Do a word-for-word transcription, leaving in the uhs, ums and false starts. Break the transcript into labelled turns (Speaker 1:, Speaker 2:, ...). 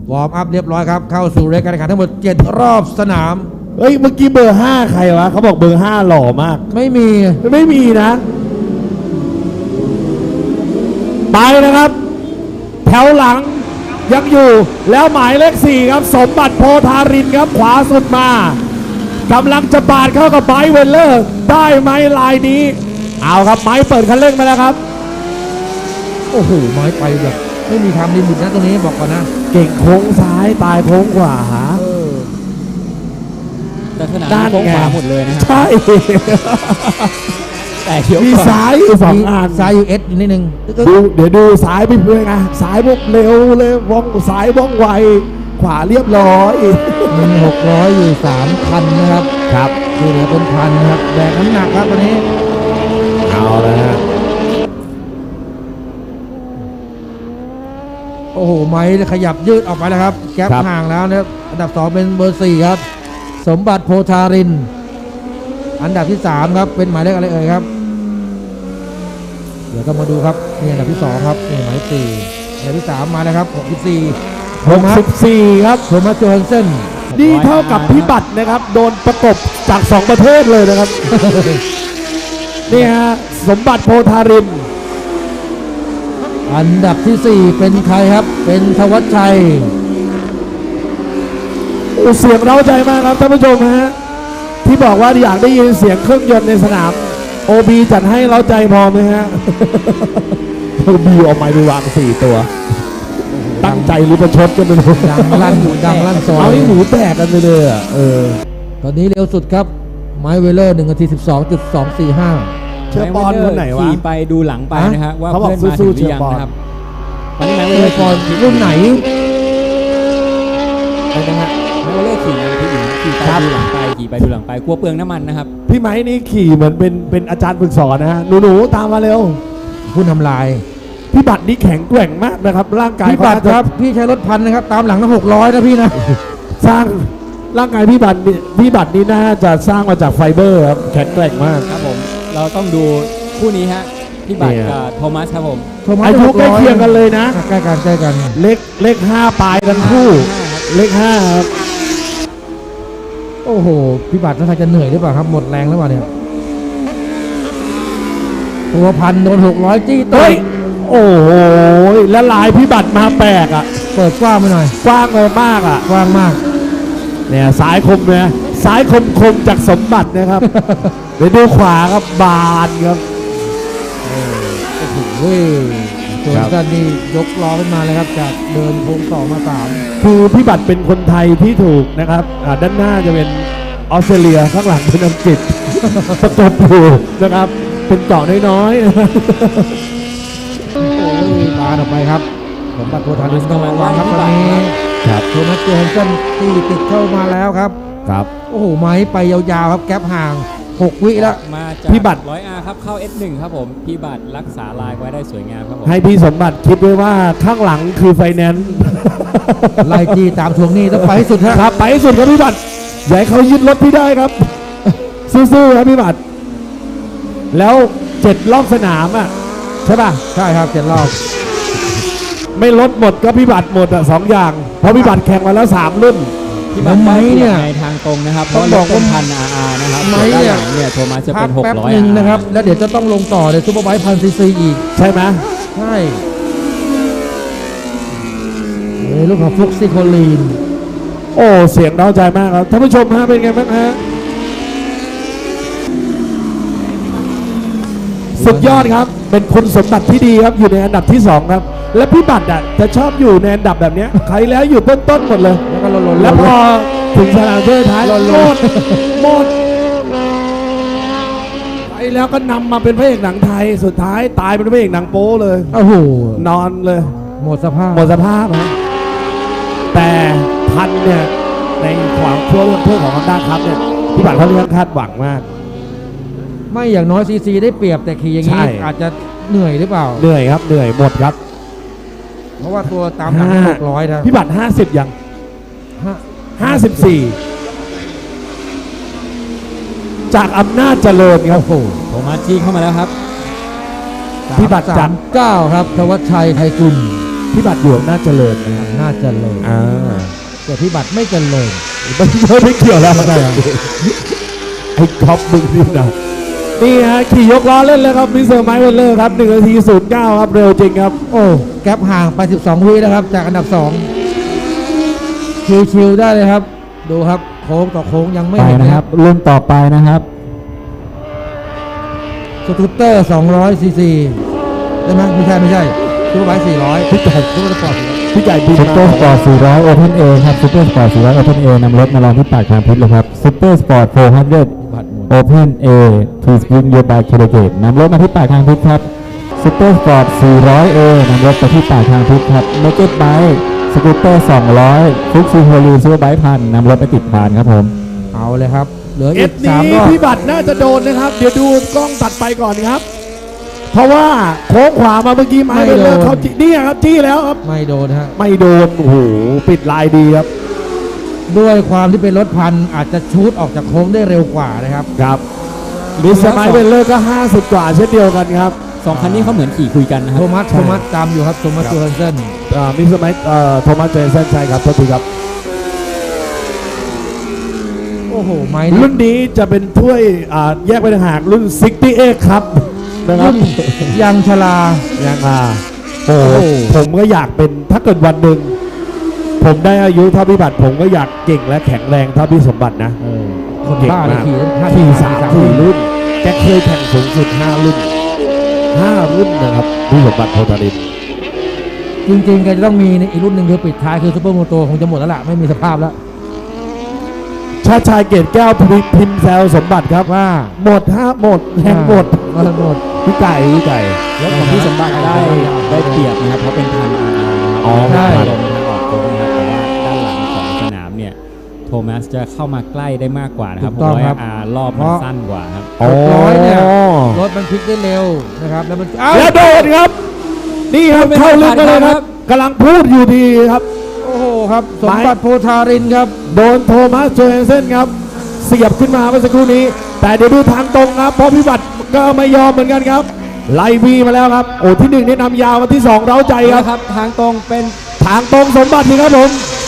Speaker 1: วอร์มอัพเรียบร้อยครับเข้าสู่รายการแข่งขันทั้งหมดเจ็ดรอบสนาม
Speaker 2: เฮ้ยเมื่อกี้เบอร์ห้าใครวะเขาบอกเบอร์ห้าหล่อมาก
Speaker 1: ไม่มี
Speaker 2: ไม่มีนะไปนะครับแถวหลังยังอยู่แล้วหมายเลขสี่ครับสมบัติโพธารินครับขวาสุดมากำลังจะบาดเข้ากับไบเวลเลอร์ได้ไหมลายนี้เอาครับไม้เปิดคันเร่งมาแล้วครับ
Speaker 1: โอ้โหไม้ไปแบบไม่มีทำลิมิตนะตรงนี้บอกก่อนนะ
Speaker 2: เก่งโค้งซ้ายตายโค้งขวา
Speaker 3: แต่ขนาดโค้งขวาหมดเลยนะ
Speaker 2: ใช่
Speaker 3: แต่เขียว
Speaker 2: มีซ้ายอยู่สองอัน
Speaker 1: ซ้ายอยู่เอสอยู่นิดนึง
Speaker 2: ดูเดี๋ยวดูซ้ายไปเพื่อนไงซ้ายพวกเร็วเลยว่องซ้ายว่องไวขวาเรียบร้อย
Speaker 1: มีหกร้อยอยู่สามพันนะครับ
Speaker 2: ครับ
Speaker 1: ที่เหลือเป็นพันนะครับแบกน้ำหนักครับตอนนี้
Speaker 2: เอาแล้วฮะ
Speaker 1: โอ้โหไม้ขยับยืดออกไปแล้วครับแก๊ปห่างแล้วนะครับอันดับสองเป็นเบอร์สี่ครับสมบัติโพธารินอันดับที่สามครับเป็นหมายเลขอะไรเอ่ยครับเดี๋ยวต้องมาดูครับนี่อันดับที่สองครับนี่หมายสี่อันดับที่สามมาแล้วครับหกสิบสี่
Speaker 2: หกสิบสี่ครับ
Speaker 1: โทมัสโจฮันเซน
Speaker 2: นี่เท่ากับพิบัตินะครับโดนประกบจากสองประเทศเลยนะครับ นี่ฮะสมบัติโพธาริน
Speaker 1: อันดับที่สี่เป็นใครครับเป็นธวัชชัย
Speaker 2: เสียงเร้าใจมากครับท่านผู้ชมฮะที่บอกว่าอยากได้ยินเสียงเครื่องยนต์ในสนาม โอ บี จัดให้เร้าใจพอไหมฮะ โอ บี เอาไม้ไปวางสี่ตัวตั้งใจหรือประชดกันไปเลย
Speaker 1: ดังลั่นดังลั่นซอย
Speaker 2: เอาให้หนูแตกกันไปเลยอ่ะเออ
Speaker 1: ตอนนี้เร็วสุดครับไมค์เวลเลอร์หนึ่งนาทีสิบสองจุดสองสี่ห้า
Speaker 2: เชื่อปอนคนไหนวะ
Speaker 3: ขี่ไปดูหลังไปนะฮะว่าเพื่อนมาถึงหรือยังนะครับ
Speaker 1: ตอนนี้ไมค์เวลเลอร์ปอนรุ่นไหน
Speaker 3: นะฮะไมค์เวลเลอร์ขี่ไปที่หญิงขี่ไปดูหลังไปขี่ไปดูหลังไปกลัวเปลืองน้ำมันนะครับ
Speaker 2: พี่ไม้นี่ขี่เหมือนเป็นเป็นอาจารย์ฝึกสอนนะฮะหนูๆตามมาเร็ว
Speaker 1: ผู้นำลาย
Speaker 2: พี่บัตรนี่แข็งแกร่งมากนะครับร่างกาย
Speaker 1: พี่บัตรครับพี่ใช้รถพันนะครับตามหลังทั้งหกร้อยนะพี่นะ
Speaker 2: สร้างร่างกายพี่บัตรพี่บัตรนี่น่าจะสร้างมาจากไฟเบอร์ครับแข็งแกร่งมาก
Speaker 3: ครับผมเราต้องดูคู่นี้ฮะพี่บัตรกับโทมัสครับผม
Speaker 2: อายุใกล้เคียงกันเลยนะ
Speaker 1: ใกล้กันใกล้กัน
Speaker 2: เลขเลขห้าปลายทั้งคู่เลขห้าครับ
Speaker 1: โอ้โหพี่บัตรน่าจะเหนื่อยหรือเปล่าครับหมดแรงหรือเปล่าเนี่ยตัวพันโดนหกร้อยจี้ตัว
Speaker 2: โอ้โหแล้วลายพี่บัตรมาแปลกอ่ะ
Speaker 1: เปิดกว้างไปหน่อย
Speaker 2: กว้างเลยมากอ่ะ
Speaker 1: กว้างมาก
Speaker 2: เนี่ยซ้ายคมเนี่ยซ้ายคมคมจากสมบัตินะครับ เดี๋ยวดูขวาครับบานครับ
Speaker 1: โอ้โหเว้ยส่วนกันนี่ยกล้อขึ้นมาเลยครับจากเดินโค้งสองมาสาม
Speaker 2: คือพี่บัตรเป็นคนไทยที่ถูกนะครับด้านหน้าจะเป็นออสเตรเลียข้างหลังเป็นอังกฤษประกบอยู่นะครับเป็นเกาะน้อยๆ
Speaker 1: โอ้ยมาออกไปครับสมบัติโพธารินต้องระวังครับตอนนี้
Speaker 2: ครับ
Speaker 1: โทมัสโจฮันเซนที่ติดเข้ามาแล้วครับ
Speaker 2: ครับ
Speaker 1: โอ้โหไม้ไปยาวๆครับแก๊ปห่างหกวิแล้ว
Speaker 3: มาจากพี่บัตร ร้อยอาร์ ครับเข้า เอส หนึ่ง ครับผมพี่บัตรรักษาลายไว้ได้สวยงามครับผม
Speaker 2: ให้พี่สมบัติคิดไว้ว่าข้างหลังคือไฟแนนซ์
Speaker 1: ไล่จี้ตามทวงหนี้ต้องไปให้สุด
Speaker 2: ครับไปให้สุดครับพี่บัตรอย่าให้เขายึดรถพี่ได้ครับสู้ๆครับพี่บัตรแล้วเจ็ดรอบสนามอ่ะใช่ป่ะ
Speaker 1: ใช่ครับเจ็ดรอบ
Speaker 2: ไม่ลดหมดก็พี่บัตรหมดอ่ะสองอย่างเพราะพี่บัตรแข่งมาแล้วสามรุ่น
Speaker 3: พี่บัตรไม้เนี่ยในทางตรงนะครับเพราะบอกว่าพันอาร์นะครับ
Speaker 1: ไม้เนี่ย
Speaker 3: เนี่ยโทมัสจะเป็นหกร้อย
Speaker 1: นึงนะครับแล้วเดี๋ยวจะต้องลงต่อในซูเปอร์ไบค์พันซีซีอีก
Speaker 2: ใช่ไหม
Speaker 1: ใช่เอ้ลูกของฟลุกซิโคลีน
Speaker 2: โอ้เสียงเร้าใจมากครับท่านผู้ชมฮะเป็นไงบ้างฮะสุดยอดครับเป็นคุณสมบัติที่ดีครับอยู่ในอันดับที่สองครับและพี่บัตรอ่ะจะชอบอยู่ในอันดับแบบนี้ใครแล้วอยู่ต้นๆหมดเลย
Speaker 1: แล้วก็ล
Speaker 2: นๆแล้วพอถึงสนามเทอท้ายหมดหมดไปแล้วก็นำมาเป็นพระเอกหนังไทยสุดท้ายตายเป็นพระเอกหนังโป๊เลย
Speaker 1: โอ้โห
Speaker 2: นอนเลย
Speaker 1: หมดสภาพ
Speaker 2: หมดสภาพนะแต่พันเนี่ยในความชั่วเรื่องเพื่อของฮอนด้าครับเนี่ยพี่บัตรเขาเรียกคาดหวังมาก
Speaker 1: ไม่อย่างน้อยซีซีได้เปรียบแต่ขี่อย่างนี้อาจจะเหนื่อยหรือเปล่า
Speaker 2: เหนื่อยครับเหนื่อยหมดครับ
Speaker 1: เพราะว่าตัวตามหลังหกร้อยนะ
Speaker 2: พี่บัตรห้าสิบยังห้าสิบสี่จากอำนาจเจริญครับโอ้
Speaker 3: โทมัสจี้เข้ามาแล้วครับ
Speaker 2: พี่บัตรจาก
Speaker 1: เก้าครับธวัชชัยไทยกุล
Speaker 2: พี่บัตรอยู่อำนาจเจริญนะครับ
Speaker 1: น่าจะเลย
Speaker 2: อ่า
Speaker 1: แต่พี่บัตรไม่เจริญ
Speaker 2: ไม่ไม่เกี่ยวแล้ว
Speaker 1: ใช่ครับ
Speaker 2: ไอ้ก๊อฟมึงนี่นะนี่ฮะขี่ยกล้อเล่นแล้วครับมิสเตอร์ไมค์เวลเลอร์ครับหนึ่งนาทีศูนย์เก้าครับเร็วจริงครับ
Speaker 1: โอ้แก๊ปห่างไปสิบสองวินะครับ จากอันดับสองชิวๆได้เลยครับ ดูครับโค้งต่อโค้งยังไม่
Speaker 3: ไป
Speaker 1: เห็น
Speaker 3: นะ
Speaker 1: นะ
Speaker 3: ค
Speaker 1: ค
Speaker 3: รั
Speaker 1: รั
Speaker 3: บบ รุ่นต่อไปนะครับ
Speaker 1: สกูตเตอร์สองร้อยซีซีได้ไหมไม่ใช่ไม่ใช่ซูเปอร์ไบค์สี่ร้อยพี่ใหญ่ซูเปอร์สปอร์ต
Speaker 2: พี่ใหญ่บิน
Speaker 3: ซุปเปอ
Speaker 2: มา
Speaker 3: ร์สปอร์ตสี่ร้อย Open A ครับซุปเปอร์สปอร์ตสี่ร้อย Open A นำรถมาลองที่ปากทางพิษเลยครับซุปเปอร์สปอร์ตสี่ร้อย
Speaker 1: บัตรหมุน
Speaker 3: Open A Please bring your bike to the gate นำรถมาที่ปากทางพิษครับซุปเปอร์สปอร์ตสี่ร้อย A นำรถไปที่ปากทางพิษครับ Naked Bike สกูตเตอร์สองร้อยฟุกซีโฮลีซูเปอร์ไบค์พันนำรถไปติดพานครับผม
Speaker 1: เอาเลยครับ เหลือ
Speaker 2: เอ
Speaker 1: อีก
Speaker 2: ฟ
Speaker 1: สาม
Speaker 2: นี้
Speaker 1: รอบ
Speaker 2: พี่บัตรน่าจะโดนนะครับ เดี๋ยวดูกล้องตัดไปก่อนครับ เพราะว่าโค้งขวามาเมื่อกี้ไม้เวลเลอร์เขาจี้นี่ครับจี้แล้วครับ
Speaker 1: ไม่โดนฮะ
Speaker 2: ไม่โดน โอ้โห ปิดลายดีครับ
Speaker 1: ด้วยความที่เป็นรถพันอาจจะชูดออกจากโค้งได้เร็วกว่านะครับ
Speaker 2: ครับมิสเตอร์ไมค์เวลเลอร์ก็ห้าสิบกว่าเช่นเดียวกันครับ
Speaker 3: สองคันนี้เขาเหมือนขี่คุยกันนะครั
Speaker 1: โท
Speaker 3: บ
Speaker 1: มัส
Speaker 2: ใช่
Speaker 1: โทมัสตามอยู่ครับโทมัส
Speaker 2: ครับ
Speaker 1: จูเฮนเซน
Speaker 2: อ่ามิสเตอร์ไมค์เอ่อโทมัสเจสันใช่ครับโทษทีครับ
Speaker 1: โอ้โห ไม้
Speaker 2: รุ่
Speaker 1: นี่
Speaker 2: นนี้จะเป็นถ้วยอ่าแยกไปต่างหากรุ่นซิกตี้เอ็กครับนะครับ
Speaker 1: รุ่นยังชลา
Speaker 2: ยังอ่าโอ้โห
Speaker 1: โอ้
Speaker 2: ผมก็อยากเป็นถ้าเกิดวันหนึ่งผมได้อายุเท่าพี่บัตรผมก็อยากเก่งและแข็งแรงเท่าพี่สมบัตินะ
Speaker 1: เออคน
Speaker 2: เก่ง
Speaker 1: บ้าเลย
Speaker 2: มาก
Speaker 1: ขี่ห้า
Speaker 2: ขี่
Speaker 1: สี่
Speaker 2: สามสี่รุ่นแกเคยแข่งสูงสุดห้ารุ่นห้ารุ่นนะครับพี่สมบัติโพธาริน
Speaker 1: จริงๆแกจะต้องมีในอีกรุ่นหนึ่งคือปิดท้ายคือซูเปอร์โมโตคงจะหมดแล้วล่ะ ไม่มีสภาพแล้ว
Speaker 2: ชาติชายเกตแก้วพิพิมพ์แซวสมบัติครับ
Speaker 1: ว่า
Speaker 2: หมดห้าหมดแรงหมด
Speaker 1: ว่าหมด
Speaker 2: พี่ไก่พี่ไก่
Speaker 3: รถของพี่สมบัติได้ได้เปรียบนะครับเพราะเป็นทางอาร์นะครับ
Speaker 2: อ๋อ
Speaker 1: ใช่
Speaker 3: ลงทางออกโค้งนะครับแต่ว่าด้านหลังของสนามเนี่ยโทมัสจะเข้ามาใกล้ได้มากกว่านะครับ
Speaker 1: ถูกต้องครับ
Speaker 3: เพาะว่า R รอบมันสั้นกว่าครับ
Speaker 1: หกร้อยเนี่ยรถมันพลิกได้เร็วนะครับ แล้วมันเอ้า
Speaker 2: แล้วโดนครับ นี่ครับ
Speaker 3: ไม่
Speaker 2: เข้าลึกมาเลย
Speaker 3: ไม่
Speaker 2: ค
Speaker 3: ครั
Speaker 2: รับบ กำลังพูดอยู่ดีครับ
Speaker 1: โอ้โหครับ สมบัติโพธารินครับ
Speaker 2: โดนโทมัสโจเฮนเซนครับเสียบขึ้นมาเมื่อสักครู่นี้ แต่เดี๋ยวดูทางตรงครับเพราะพิบัติก็ไม่ยอมเหมือนกันครับ ไล่วีมาแล้วครับ โอ้ที่หนึ่งนี่นำยาวมาที่สองเร้าใจ
Speaker 3: ใช่
Speaker 2: ครับ
Speaker 3: ครับทางตรงเป็น
Speaker 2: ทางตรงสมบัตินี่ครับผม